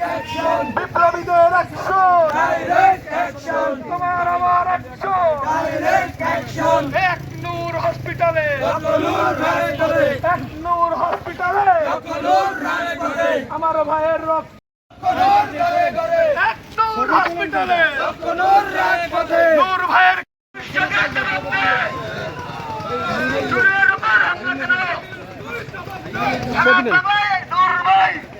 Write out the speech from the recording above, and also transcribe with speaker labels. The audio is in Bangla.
Speaker 1: বিপ্লবীদের অ্যাকশন, তোমার আমার অ্যাকশন। এক নূর হসপিটালে, এক নূর হসপিটালে আমার ভাইয়ের রক্ত। এক নূর হসপিটালে নূর ভাইয়ের নূর ভাই